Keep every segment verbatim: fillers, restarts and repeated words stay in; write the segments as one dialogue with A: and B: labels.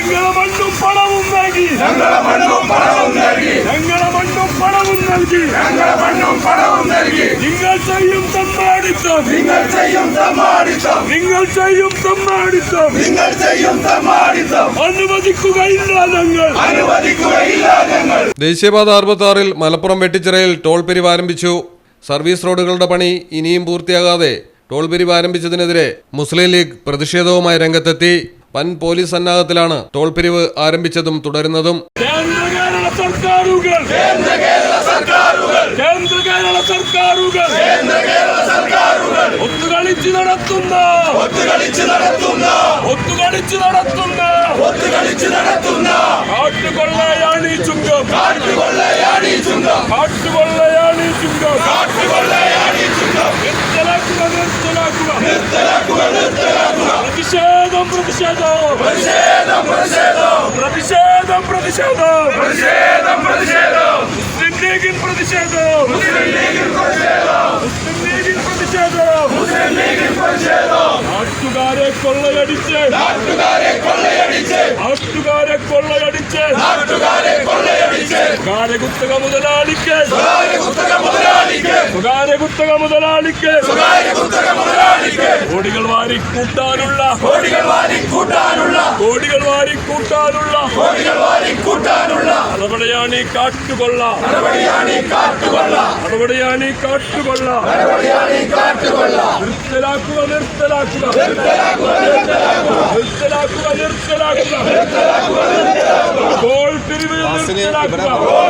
A: ഞങ്ങളെ മണ്ണും പണവും നൽകി
B: ഞങ്ങളെ മണ്ണും പണവും നൽകി
A: ഞങ്ങളെ മണ്ണും പണവും നൽകി
B: ഞങ്ങളെ മണ്ണും പണവും നൽകി
A: നിങ്ങൾ ചെയ്യും തമ്മാടിത്തം
B: നിങ്ങൾ ചെയ്യും തമ്മാടിത്തം
A: നിങ്ങൾ ചെയ്യും തമ്മാടിത്തം
B: നിങ്ങൾ ചെയ്യും തമ്മാടിത്തം
A: അനുവദിക്കുകയില്ല ഞങ്ങൾ
B: അനുവദിക്കുകയില്ല ഞങ്ങൾ.
C: ദേശീയപാത അറുപത്തി ആറിൽ മലപ്പുറം വെട്ടിച്ചിറയിൽ ടോൾ പിരിവ് ആരംഭിച്ചു. സർവീസ് റോഡുകളുടെ പണി ഇനിയും പൂർത്തിയാകാതെ ടോൾ പിരിവ് ആരംഭിച്ചതിനെതിരെ മുസ്ലിം ലീഗ് പ്രതിഷേധവുമായി രംഗത്തെത്തി. വൻ പോലീസ് സന്നാഹത്തിലാണ് ടോൾ പിരിവ് ആരംഭിച്ചതും തുടരുന്നതും.
A: കേന്ദ്ര കേരള സർക്കാരുകൾ
B: കേന്ദ്ര കേരള സർക്കാരുകൾ
A: കേന്ദ്ര കേരള സർക്കാരുകൾ
B: കേന്ദ്ര കേരള സർക്കാരുകൾ
A: ഒത്തുകളിച്ച് നടത്തുന്ന
B: ഒത്തുകളിച്ച് നടത്തുന്ന
A: ഒത്തുകളിച്ച് നടത്തുന്ന
B: ഒത്തുകളിച്ച് നടത്തുന്ന
A: കാട്ടുകൊള്ളയാണ് ഈ ചുങ്കം
B: കാട്ടുകൊള്ളയാണ് ഈ ചുങ്കം
A: കാട്ടുകൊള്ളയാണ് ഈ ചുങ്കം
B: കാട്ടുകൊള്ളയാണ് ഈ ചുങ്കം.
A: നിർത്തലാക്കുക നിർത്തലാക്കുക
B: നിർത്തലാക്കുക നിർത്തലാക്കുക.
A: പ്രതിഷേധം പ്രതിഷേധം
B: പ്രതിഷേധം പ്രതിഷേധം
A: പ്രതിഷേധം പ്രതിഷേധം
B: പ്രതിഷേധം പ്രതിഷേധം.
A: മുസ്ലിം ലീഗിൻ പ്രതിഷേധം
B: മുസ്ലിം ലീഗിൽ പ്രതിഷേധം
A: മുസ്ലിം ലീഗിൻ പ്രതിഷേധം
B: മുസ്ലിം ലീഗിൽ പ്രതിഷേധം.
A: നാട്ടുകാരെ കൊള്ളയടിച്ച്
B: നാട്ടുകാരെ കൊള്ളയടിച്ച്
A: നാട്ടുകാരെ കൊള്ളയടിച്ച്
B: നാട്ടുകാരെ കൊള്ളയടിച്ച്
A: സ്വകാര്യ കുത്തക മുതലാളിക്ക്
B: സ്വകാര്യ കുത്തക മുതലാളിക്ക്
A: സ്വകാര്യ കുത്തക മുതലാളിക്ക്
B: സ്വകാര്യ കുത്തക മുതലാളിക്ക്
A: കോടികൾ വാരി കൂട്ടാനുള്ള
B: കോടികൾ വാരി കൂട്ടാനുള്ള
A: കോടികൾ വാരി കൂട്ടാനുള്ള
B: കോടികൾ വാരി കൂട്ടാനുള്ള
A: നടപടിയാണ് ഈ കാട്ടുകൊള്ള
B: നടപടിയാണ് ഈ കാട്ടുകൊള്ള
A: നടപടിയാണ് ഈ കാട്ടുകൊള്ള
B: നടപടിയാണ് ഈ കാട്ടുകൊള്ള.
A: നിർത്തലാക്കുക നിർത്തലാക്കുക
B: നിർത്തലാക്കുക നിർത്തലാക്കുക
A: നിർത്തലാക്കുക നിർത്തലാക്കുക
B: നിർത്തലാക്കുക നിർത്തലാക്കുക.
A: ടോൾ പിരിവ് നിർത്തലാക്കുക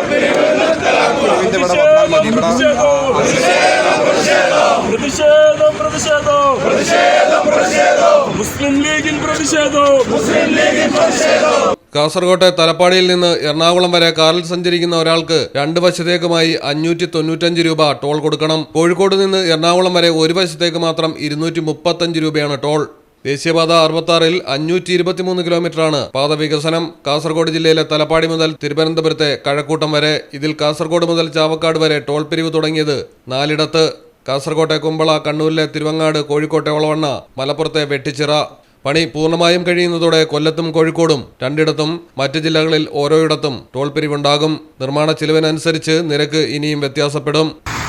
B: പ്രതിഷേധം
A: പ്രതിഷേധം
B: പ്രതിഷേധം
A: പ്രതിഷേധം പ്രതിഷേധം
B: പ്രതിഷേധം പ്രതിഷേധം.
A: മുസ്ലിം ലീഗിൻ പ്രതിഷേധം
B: മുസ്ലിം ലീഗിൽ പ്രതിഷേധം.
C: കാസർകോട്ടെ തലപ്പാടിയിൽ നിന്ന് എറണാകുളം വരെ കാറിൽ സഞ്ചരിക്കുന്ന ഒരാൾക്ക് രണ്ട് വശത്തേക്കുമായി അഞ്ഞൂറ്റി തൊണ്ണൂറ്റഞ്ച് രൂപ ടോൾ കൊടുക്കണം. കോഴിക്കോട് നിന്ന് എറണാകുളം വരെ ഒരു വശത്തേക്ക് മാത്രം ഇരുന്നൂറ്റി മുപ്പത്തഞ്ച് രൂപയാണ് ടോൾ. ദേശീയപാത അറുപത്തി ആറിൽ അഞ്ഞൂറ്റി ഇരുപത്തിമൂന്ന് കിലോമീറ്ററാണ് പാത വികസനം. കാസർഗോഡ് ജില്ലയിലെ തലപ്പാടി മുതൽ തിരുവനന്തപുരത്തെ കഴക്കൂട്ടം വരെ. ഇതിൽ കാസർഗോഡ് മുതൽ ചാവക്കാട് വരെ ടോൾ പിരിവ് തുടങ്ങിയത് നാലിടത്ത്. കാസർകോട്ടെ കുമ്പള, കണ്ണൂരിലെ തിരുവങ്ങാട്, കോഴിക്കോട്ടെ ഒളവണ്ണ, മലപ്പുറത്തെ വെട്ടിച്ചിറ. പണി പൂർണ്ണമായും കഴിയുന്നതോടെ കൊല്ലത്തും കോഴിക്കോടും രണ്ടിടത്തും മറ്റ് ജില്ലകളിൽ ഓരോയിടത്തും ടോൾ പിരിവുണ്ടാകും. നിർമ്മാണ ചിലവിനനുസരിച്ച് നിരക്ക് ഇനിയും വ്യത്യാസപ്പെടും.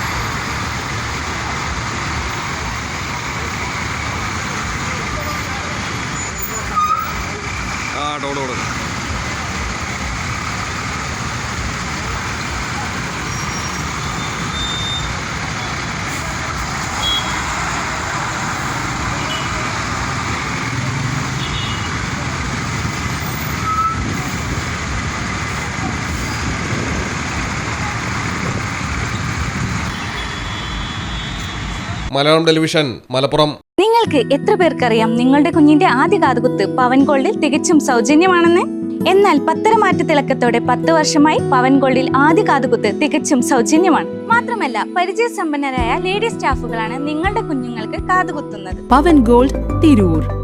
C: ആ ടോൾ കൊടുക്കും. മലയാളം ടെലിവിഷൻ, മലപ്പുറം.
D: നിങ്ങൾക്ക് എത്ര പേർക്കറിയാം നിങ്ങളുടെ കുഞ്ഞിന്റെ ആദ്യ കാതുകുത്ത് പവൻ ഗോൾഡിൽ തികച്ചും സൗജന്യമാണെന്ന്? എന്നാൽ പത്തരമാറ്റ തിളക്കത്തോടെ പത്ത് വർഷമായി പവൻ ഗോൾഡിൽ ആദ്യ കാതുകുത്ത് തികച്ചും സൗജന്യമാണ്. മാത്രമല്ല പരിചയസമ്പന്നരായ ലേഡി സ്റ്റാഫുകളാണ് നിങ്ങളുടെ കുഞ്ഞുങ്ങൾക്ക് കാതുകുത്തുന്നത്.
E: പവൻ ഗോൾഡ്, തിരൂർ.